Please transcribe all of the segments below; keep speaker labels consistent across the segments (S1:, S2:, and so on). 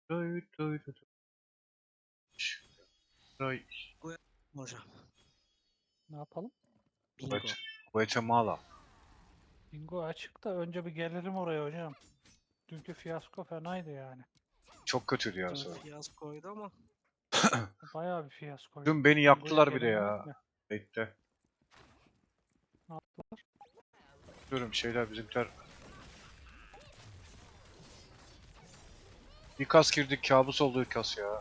S1: Duy, duy, duy, duy.
S2: Hocam.
S3: Ne yapalım?
S2: Bingo.
S1: Guatemala.
S3: Bingo açık da önce bir gelirim oraya hocam. Dünkü fiyasko fenaydı yani.
S1: Çok kötüydü ya.
S2: Dün fiyaskoydu ama
S3: Bayağı bir fiyaskoydu.
S1: Dün beni
S3: Bingo'ya
S1: yaktılar bir de
S3: gelemedik
S1: ya.
S3: mi?
S1: Bekle.
S3: Ne yaptılar?
S1: Diyorum şeyler bizimkiler. Bir kas girdik, kabus oldu kas ya.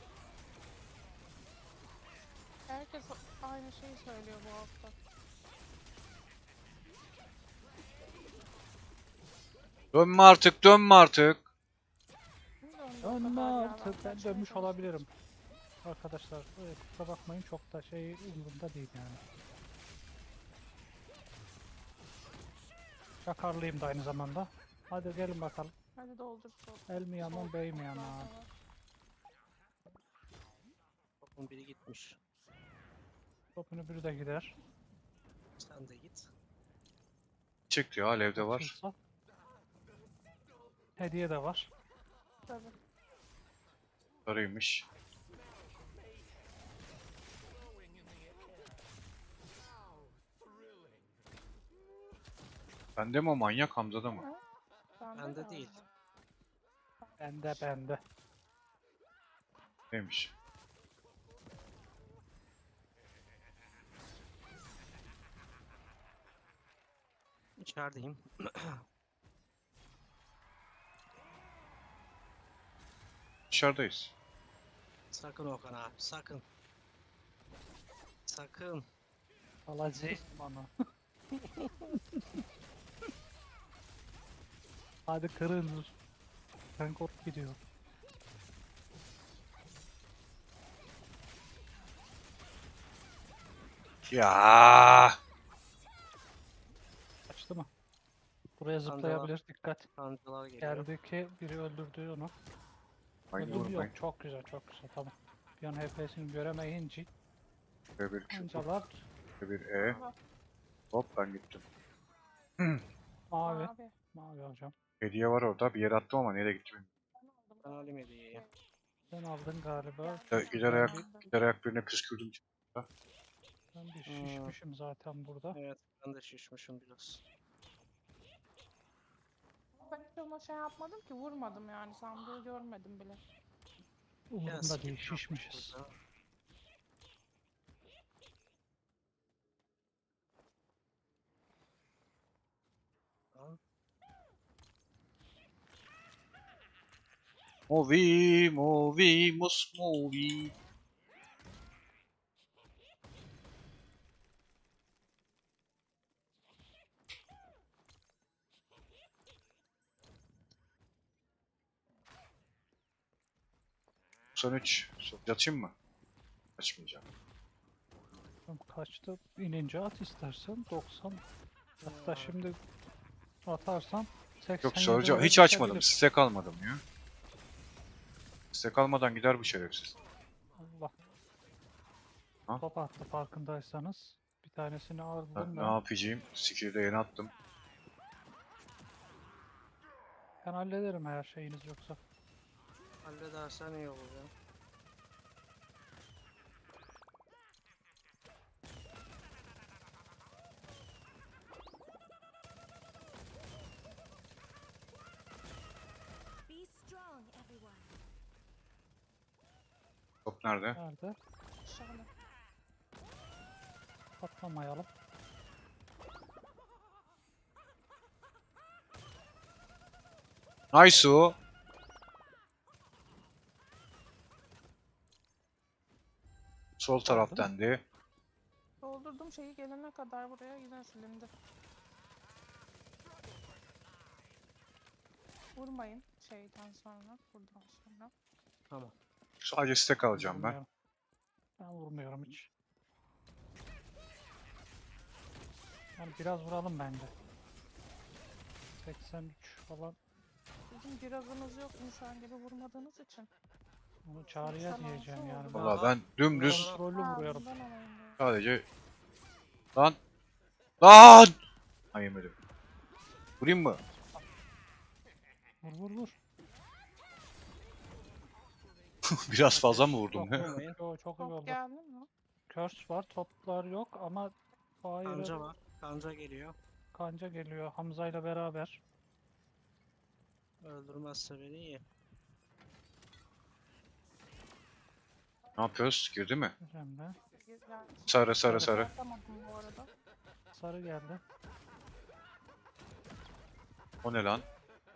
S4: Herkes aynı şeyi söylüyor bu hafta.
S1: Dönme artık, dönme artık.
S4: Kim döndü o
S3: Dönme
S4: kadar ya?
S3: artık. Ben
S4: kaçmaya
S3: dönmüş
S4: çalıştım.
S3: olabilirim. Arkadaşlar kusura bakmayın, çok da umurumda değil yani. Çakarlıyım da aynı zamanda. Hadi gelin bakalım.
S4: Hadi doldur sol.
S3: El mi yaman, bey mi yaman?
S2: topun biri gitmiş.
S3: Topunu biri de gider.
S2: Sen de git.
S1: Çıktı ya, alevde var.
S3: Açılsa. Hediye de var.
S4: Tabii.
S1: Sarıymış. Bende mi o manyak, Hamza'da mı?
S2: Bende
S4: de
S2: değil.
S3: Bende.
S1: Neymiş?
S2: İçerideyim.
S1: Dışarıdayız.
S2: Sakın Okan abi, sakın. Sakın.
S3: Alacağız bana. Hadi kırın. Ben kork gidiyor.
S1: Ya.
S3: Açtı mı? Buraya zıplayabilir. Dikkat.
S2: Kancalar geliyor.
S3: Geldi ki biri öldürdü onu.
S1: Aynı
S3: Öldürdü
S1: vurmayın.
S3: yok. Çok güzel, çok güzel. Tamam. Bir an HP'sini göremeyince
S1: Şöyle bir Q,
S3: ancalar
S1: şöyle bir E. Hop ben gittim.
S3: mavi.
S4: Abi.
S3: Mavi hocam.
S1: Hediye var orada. Bir yere attım ama nereye gitti bilmiyorum.
S2: Ben alayım hediyeyi.
S3: Sen aldın galiba.
S1: Gider
S3: Ben
S1: ayak,
S3: bir,
S1: gider ayak birine püskürdüm.
S3: ben bir şişmişim zaten burada.
S2: Evet, ben de şişmişim biraz.
S4: Ben hiç ona şey yapmadım ki, vurmadım yani, sandığı görmedim bile.
S3: Umurumda
S2: skip
S3: değil,
S2: yapmış
S3: şişmişiz.
S2: burada. Tamam.
S1: Movie. Son 3. Yatayım mı? Açmayacağım.
S3: Tam kaçtı? İnince at istersen. 90. Hatta şimdi atarsan 80.
S1: Yok soracağım. Hiç açmadım. Stack almadım ya. Stack almadan gider bu şerefsiz.
S3: Allah.
S1: Ha?
S3: Top attı farkındaysanız. Bir tanesini aldım
S1: Ne
S3: ben.
S1: yapacağım? Skill'i de yeni attım.
S3: Ben hallederim eğer şeyiniz yoksa.
S2: Halledersen iyi olur ya.
S5: Be strong, everyone.
S1: Top nerede?
S3: Nerede?
S4: Şöyle.
S3: Patlamayalım.
S1: Nice o. Sol taraftan de.
S4: Doldurdum şeyi, gelene kadar buraya yine silindi. Vurmayın şeyden sonra, buradan sonra.
S2: Tamam.
S1: Sadece stack alacağım ben.
S3: Vurmuyorum. Ben vurmuyorum hiç. Yani biraz vuralım bence. 83 falan.
S4: Sizin birazınız yok insan gibi vurmadığınız için.
S3: Onu çağrıya
S4: 86
S3: diyeceğim yani.
S4: oldu.
S3: Ben
S1: Valla ben dümdüz
S3: kontrollü vuruyorum.
S4: bundan alayım diyor.
S1: sadece... Lan! Lan! Ha yemedim. Vurayım mı?
S3: Vur.
S1: Biraz fazla mı vurdum?
S2: Çok vurmayın.
S3: Yo, çok iyi
S4: Top
S3: oldu.
S4: geldi mi?
S3: Curse var, toplar yok ama Fire'ı
S2: Kanca var. Kanca geliyor.
S3: kanca geliyor Hamza ile beraber.
S2: Öldürmezse beni iyi.
S1: Ne yapıyoruz? Girdi mi?
S3: Emre.
S4: Güzel.
S1: Sarı sarı sarı.
S4: Atamadım bu arada.
S3: Sarı geldi.
S1: O ne lan?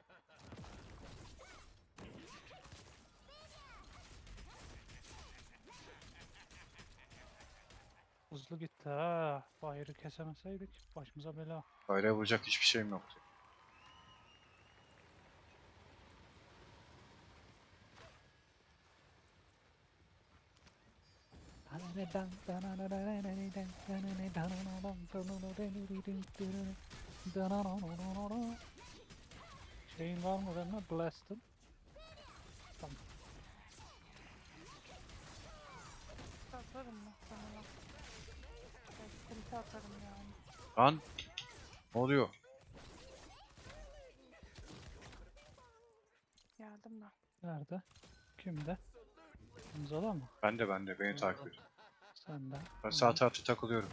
S3: Hızlı gitti ha. Fire'ı kesemeseydik başımıza bela.
S1: Daireye vuracak hiçbir şeyim yoktu.
S3: Şeyin var mı benimle? Blast'ın. Tamam.
S4: Atarım muhtemelen. Ulti atarım yani.
S1: Lan! Ne oluyor?
S4: Geldim ben.
S3: Nerede? Kimde? Hamza'da mı?
S1: Bende beni takip et.
S3: Sende.
S1: Ben sağ tarafta takılıyorum.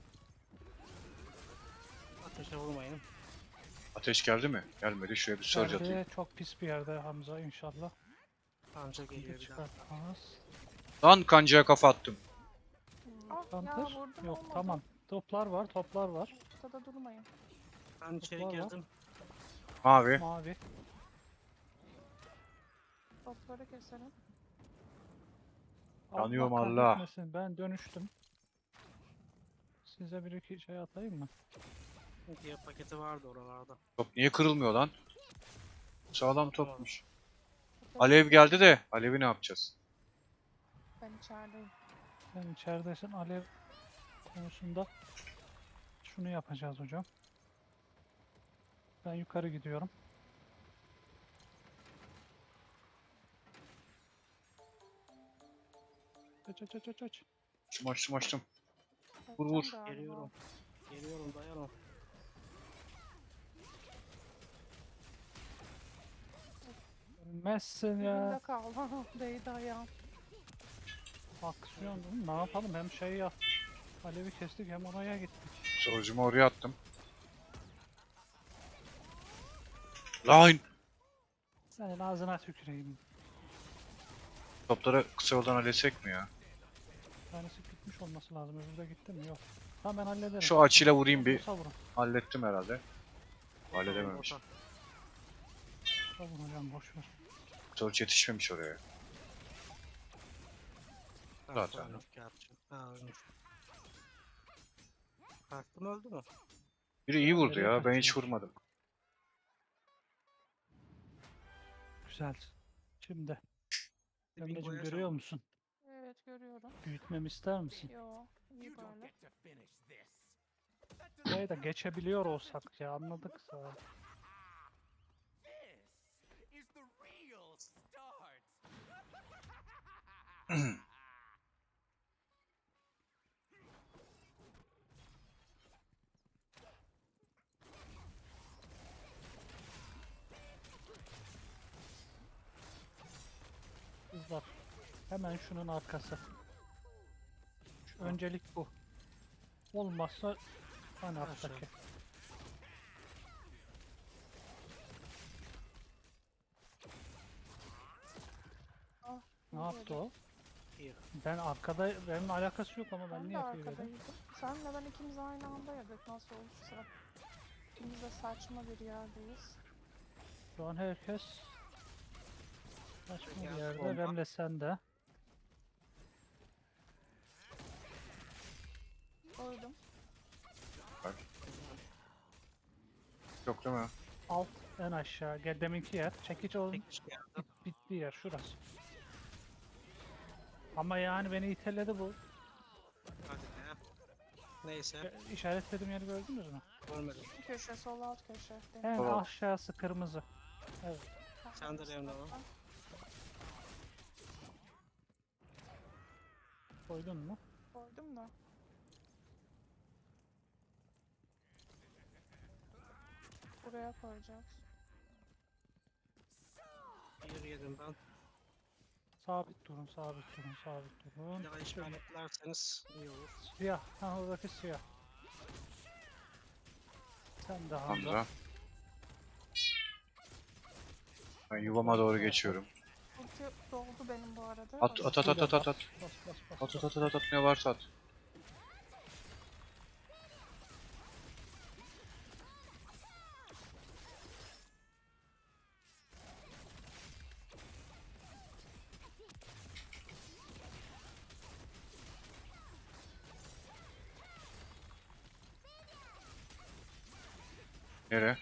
S2: Ateşe vurmayın.
S1: Ateş geldi mi? Gelmedi. Şuraya bir surge atayım.
S3: Geldi, çok pis bir yerde Hamza inşallah.
S2: Kanca
S3: Bir
S2: geliyor bir daha.
S3: çıkartmaz.
S1: Lan kancaya kafa attım.
S4: Ah ya
S3: Counter?
S4: vurdum
S3: Yok
S4: olmadı.
S3: tamam. Toplar var, toplar var.
S4: Ortada durmayın.
S2: Ben içeri
S3: Var, var.
S2: girdim.
S1: Mavi.
S3: Mavi.
S4: Topları keselim.
S1: Yanıyorum
S3: Allah
S1: Allah.
S3: kahretmesin, ben dönüştüm. Size bir iki şey atayım mı?
S2: Diye paketi vardı oralarda.
S1: Top niye kırılmıyor lan? Sağlam topmuş.
S4: Topları
S1: Alev
S4: keselim.
S1: geldi de Alev'i ne yapacağız?
S4: Ben içerideyim.
S3: Sen içeridesin alev konusunda. Şunu yapacağız hocam. Ben yukarı gidiyorum. Aç aç aç aç aç.
S1: Açtım. Vur,
S4: Kaçacağım
S1: vur.
S4: galiba.
S2: Geliyorum. Geliyorum dayanın.
S3: Ölmezsin
S4: Dibinde
S3: ya.
S4: kaldı. Değdi ayağım.
S3: Aksiyon değil mi? Ne yapalım? Hem şey yap. Alevi kestik hem oraya gittik.
S1: Sorucumu oraya attım. Lan!
S3: Senin ağzına tüküreyim.
S1: Topları kısa yoldan halledecek mi ya?
S3: Bir tanesi gitmiş olması lazım. Öbürü de gitti mi? Yok. Tamam ben hallederim.
S1: Şu açıyla vurayım bir.
S3: Vursa vurun.
S1: Hallettim herhalde. Halledememiş.
S2: Bota.
S3: Vurun hocam boşver.
S1: Surge yetişmemiş oraya. Zaten.
S2: Ölmüş gerçi. Ha ölmüş. Kalktım öldü mü?
S1: Biri iyi vurdu
S3: Nereye
S1: ya. Ben hiç
S3: kaçıyormuş?
S1: vurmadım.
S3: Güzel. Şimdi. Emre'cim
S2: Bingo'ya
S3: görüyor
S2: çalın.
S3: musun?
S4: Evet görüyorum.
S3: Büyütmemi ister misin?
S4: Yo iyi böyle.
S3: Burayı da geçebiliyor olsak ya anladık zaten. Kızlar. Hemen şunun arkası. Şu öncelik bu. Olmazsa hani alttaki.
S4: Ah,
S3: Ne
S4: iyi
S3: yaptı
S4: böyle.
S3: o?
S2: İyi.
S3: Ben arkada, benimle alakası yok ama ben
S4: Ben de
S3: niye yapıyorum?
S4: arkadaydım. Senle ben ikimiz aynı anda yedik. Nasıl olursa. İkimiz de saçma bir yerdeyiz.
S3: Şu an herkes saçma bir
S2: Geldi
S3: yerde.
S2: bomba.
S3: Ben de sen de.
S4: Koydum.
S1: Yok değil mi?
S3: Alt en aşağı. Gel deminki yer. Çekiç olun.
S2: Çekiş geldi.
S3: Bitti yer şurası. Ama yani beni iteledi bu.
S2: Hadi be. Neyse.
S3: İşaretlediğim yeri gördünüz mü?
S2: Görmedim.
S4: Bir köşe sol alt köşe.
S3: En
S1: Tamam.
S3: aşağısı kırmızı. Evet.
S2: Sen de Remna var.
S3: Koydun mu?
S4: Koydum da. Buraya koyacağız.
S2: Bir yedim ben.
S3: sabit durun, sabit durun, sabit durun.
S2: Ya işaretlerseniz iyi olur.
S3: Siyah, ha oradaki siyah. Sen de Hamza.
S1: Hamza. Ben yuvama doğru geçiyorum.
S4: Ulti doldu benim bu arada.
S1: At at at at at at at.
S3: Bas bas bas.
S1: At at at at at ne varsa at. Nere?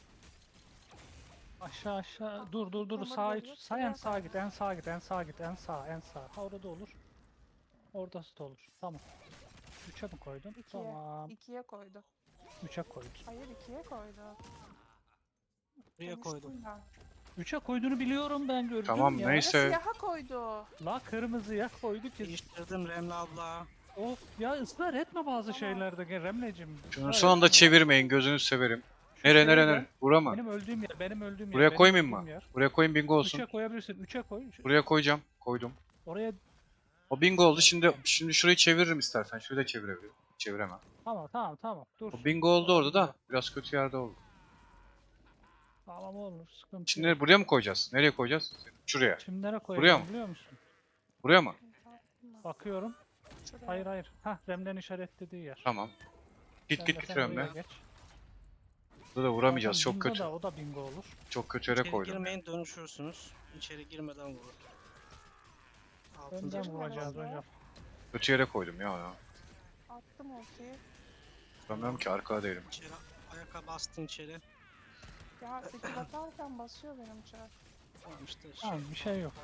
S3: Aşağı aşağı dur dur dur
S4: Hamur
S3: sağa
S4: geliyor,
S3: sağ en
S4: şuraya
S3: sağa
S4: bak.
S3: git en sağa git en sağa git en sağ en sağ. Ha orada olur. Oradası da olur. Tamam. 3'e mi koydun?
S4: İkiye.
S3: Tamam.
S4: 2'ye koydu.
S3: 3'e koydun.
S4: Hayır 2'ye koydu.
S2: Buraya koydum.
S4: Konuştum ben.
S3: 3'e koyduğunu biliyorum ben gördüm
S1: Tamam,
S3: ya.
S1: neyse.
S4: Siyaha koydu.
S3: La kırmızıya koydu ki.
S2: Değiştirdim Remli abla.
S3: Of ya ısrar etme bazı
S4: Tamam.
S3: şeylerde Remlecim.
S1: Şunu son anda çevirmeyin, gözünüzü severim. Nere nere nere? Bura mı?
S3: Benim öldüğüm yer, benim öldüğüm yer.
S1: Buraya
S3: benim
S1: koymayayım
S3: öldüğüm
S1: mı?
S3: yer.
S1: Buraya koyayım, bingo olsun.
S3: 3'e koyabilirsin. 3'e koy.
S1: Buraya koyacağım. Koydum.
S3: Oraya
S1: O bingo oldu. Şimdi şurayı çeviririm istersen. Şurayı da çevirebilirim. Çeviremem.
S3: tamam. Dur.
S1: O bingo oldu orada da. Biraz kötü yerde oldu.
S3: Tamam olur. Sıkıntı yok.
S1: Şimdi buraya mı koyacağız? Nereye koyacağız? Şuraya.
S3: Şimdi nereye
S1: Buraya
S3: koyacağım
S1: mı?
S3: biliyor musun?
S1: Buraya mı?
S3: Bakıyorum.
S4: Şuraya.
S3: Hayır. Hah Rem'den işaretlediği yer.
S1: Tamam. Git
S3: Sen
S1: git
S3: de
S1: git
S3: sen oraya
S1: Remle.
S3: geç.
S1: Burada da vuramayacağız.
S3: Zaten
S1: Çok
S3: bingo
S1: kötü.
S3: da, o da bingo olur.
S1: Çok kötü yere
S2: İçeri
S1: koydum.
S2: girmeyin dönüşürsünüz. İçeri girmeden vurun. Altıncı
S3: Önden vuracağız
S4: Orası.
S3: hocam.
S1: Kötü yere koydum ya.
S4: Attım ultiyi.
S1: Vuramıyorum ki, arkada değilim.
S2: İçeri ayaka bastın içeri.
S4: Ya skill atarken basıyor benim çar.
S2: Tamam işte
S3: Tamam bir şey yok.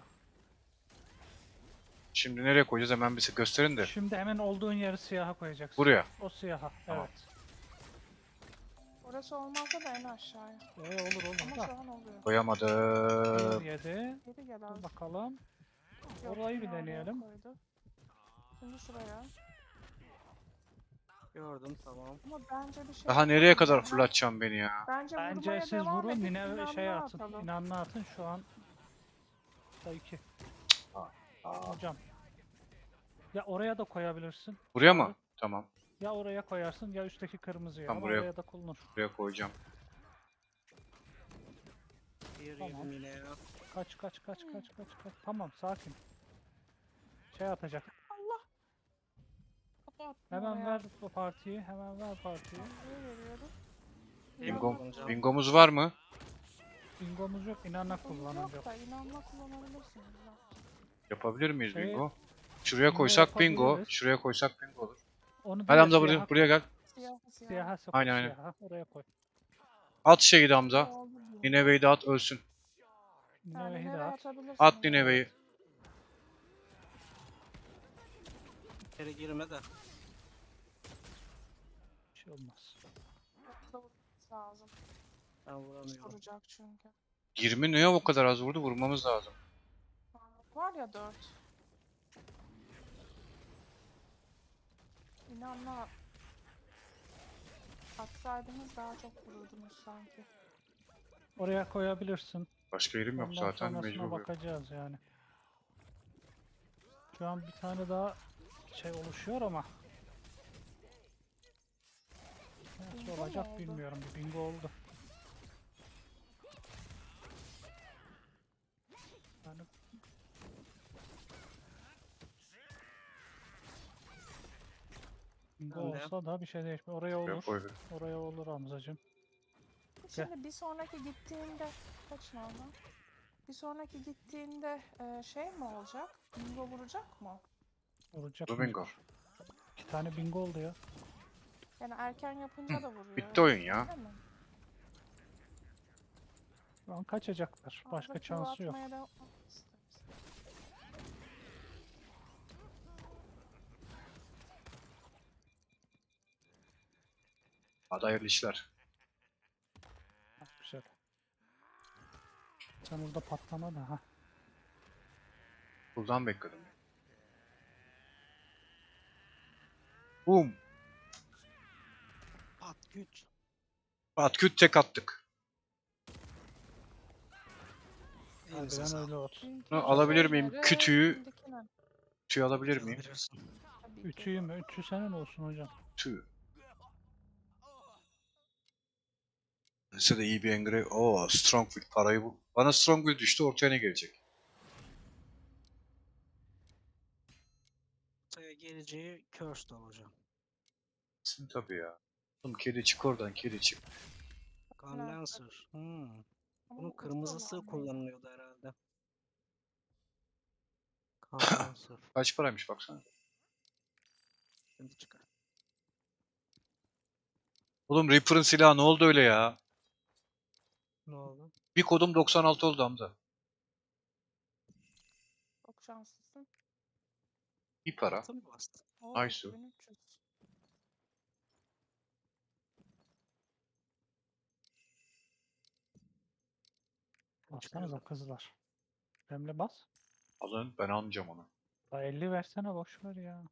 S1: Şimdi nereye koyacağız, hemen bir gösterin de.
S3: Şimdi hemen olduğun yeri siyaha koyacaksın.
S1: Buraya.
S3: O siyaha.
S1: Tamam.
S3: Evet.
S4: Orası olmazsa da en aşağıya.
S3: Olur
S4: Ama
S3: da.
S4: şu an oluyor.
S1: Koyamadım.
S3: 7.
S4: Geri gel
S3: Dur
S4: az.
S3: bakalım.
S4: Yok,
S3: Orayı bir
S4: yine oraya
S3: deneyelim.
S4: koydu. Şimdi şuraya.
S2: gördüm tamam.
S4: Ama bence bir şey
S1: Daha nereye
S4: yapalım
S1: kadar
S4: ya.
S1: fırlatacağım beni ya?
S4: Bence
S3: Bence
S4: vurmaya
S3: siz
S4: devam
S3: vurun
S4: edip
S3: yine şey
S4: inanma
S3: atın.
S4: atalım.
S3: İnanma atın şu an. Da 2. Hocam. Ya oraya da koyabilirsin.
S1: Buraya mı? Tamam.
S3: Ya oraya koyarsın ya üstteki kırmızıya.
S1: Tamam,
S3: Ama
S1: buraya-
S3: oraya da kullanır.
S1: Buraya koyacağım.
S2: Bir
S3: Tamam.
S2: yedim yine ya.
S3: Kaç. Tamam sakin. Şey atacak.
S4: Allah. Kapat.
S3: Hemen ver bu partiyi. Hemen ver partiyi.
S4: Nereye veriyorum?
S1: Bingo,
S2: kullanacağım.
S1: bingomuz var mı?
S3: Bingomuz yok. İnanla
S4: Kullanacak.
S3: kullanacak.
S4: Da inanma kullanabilirsiniz. ya.
S1: Yapabilir miyiz
S3: Şey,
S1: bingo? Şuraya
S3: bingo
S1: koysak bingo.
S3: yapabiliriz.
S1: Şuraya koysak bingo olur.
S3: Onu
S1: Hadi
S3: değil de
S1: Hamza
S3: siyaha,
S1: buraya gel.
S4: Siyah.
S3: siyaha sok.
S1: Aynen.
S3: Siyaha. Oraya koy.
S1: At şeyi de Hamza.
S4: Oldu bu.
S1: Nineve'yi de at, ölsün.
S3: Nineve'yi de
S4: nereye
S3: at.
S4: atabilirsiniz?
S1: At Nineve'yi.
S2: İçeri girme de.
S3: Bir şey olmaz.
S4: Yoksa vurmanız lazım.
S2: Ben vuramıyorum.
S4: Vuracak çünkü.
S1: 20 niye o kadar az vurdu? Vurmamız lazım.
S4: Var ya 4. İnanma. Atsaydınız daha çok vururdunuz sanki.
S3: Oraya koyabilirsin.
S1: Başka yerim yok
S3: Ondan
S1: zaten,
S3: sonrasına
S1: mecbur.
S3: bakacağız yani. Şu an bir tane daha şey oluşuyor ama. Nasıl
S4: Bingo mu
S3: olacak
S4: oldu?
S3: bilmiyorum. Bir bingo oldu. Yani bingo
S2: Ben de.
S3: olsa da bir şey değişmiyor. Oraya
S1: Buraya
S3: olur.
S1: koydum.
S3: Oraya olur Hamzacığım.
S4: Şimdi bir sonraki gittiğinde kaç nereden? Bir sonraki gittiğinde şey mi olacak? Bingo vuracak mı?
S3: Vuracak
S1: Bu
S3: mı?
S1: bingo.
S3: 2 tane bingo oldu ya.
S4: Yani erken yapınca da vuruyor.
S1: Bitti oyun ya.
S4: Değil mi?
S3: Şu an kaçacaklar. Başka
S4: Ağzı
S3: şansı yok.
S4: atmaya devam-
S1: Hadi hayırlı işler.
S3: Ha, güzel. Sen orada patlama da ha.
S1: Buradan bekledim. Boom.
S2: At güç.
S1: At küt tek attık.
S2: Elinize
S3: Harbiden
S2: sağlık.
S3: öyle olsun.
S4: Dünkü
S1: Bunu alabilir miyim?
S4: şeyleri,
S1: Kütüğü,
S4: şimdikine.
S1: kütüğü alabilir miyim?
S2: Alabilirsin.
S4: Tabii ki.
S3: Ütüyü mü? Ütü senin olsun hocam.
S1: Tüh. Size de iyi bir engrave. Oo, Strongwind parayı bu. Bana Strongwind düştü, ortaya ne gelecek?
S2: Ortaya geleceği Cursed olacağım.
S1: Kesin tabii ya. Oğlum kedi çık oradan, kedi çık.
S2: Condenser. Hmm.
S4: Ama
S2: Bunun
S4: bu
S2: kırmızısı
S4: uçuyorlar mı?
S2: kullanılıyordu herhalde. Condenser.
S1: Kaç paraymış baksana.
S2: Şimdi çıkar.
S1: Oğlum Reaper'ın silahı ne oldu öyle ya?
S2: Ne oldu?
S1: Bir kodum 96 oldu Hamza.
S4: Çok şanslısın.
S1: Bir para.
S2: Altı mı bastı?
S4: Oo,
S1: Aysu.
S4: 2300.
S3: Bassanıza kızlar. Remle bas.
S1: Alın, ben almayacağım onu.
S3: Da 50 versene boş ver ya.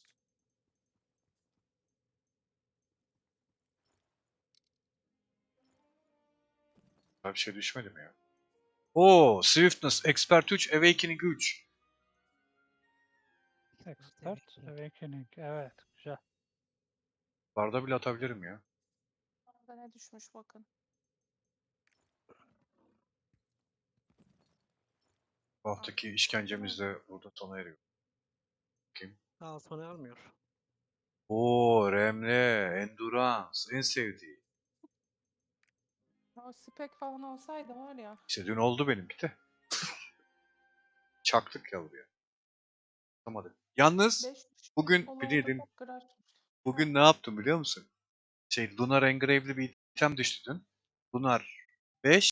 S1: Daha bir şey düşmedi mi ya? Oo, Swiftness, Expert 3, Awakening 3.
S3: Expert Awakening. Evet güzel.
S1: Barda bile atabilirim ya.
S4: Orada ne düşmüş bakın.
S1: Bu haftaki işkencemiz de burada sona eriyor. Kim?
S2: Altını almıyor.
S1: Oo, Remle, Endurance, en sevdiği.
S4: O spek falan olsaydı var ya.
S1: İşte dün oldu benimki de. Çaktık ya buraya. Tutamadık. Yalnız
S4: 5
S1: bugün
S4: Ola
S1: bilirdin,
S4: çok kırar.
S1: bugün ne yaptım biliyor musun? Lunar Engrave'li bir item düştü dün. Lunar 5,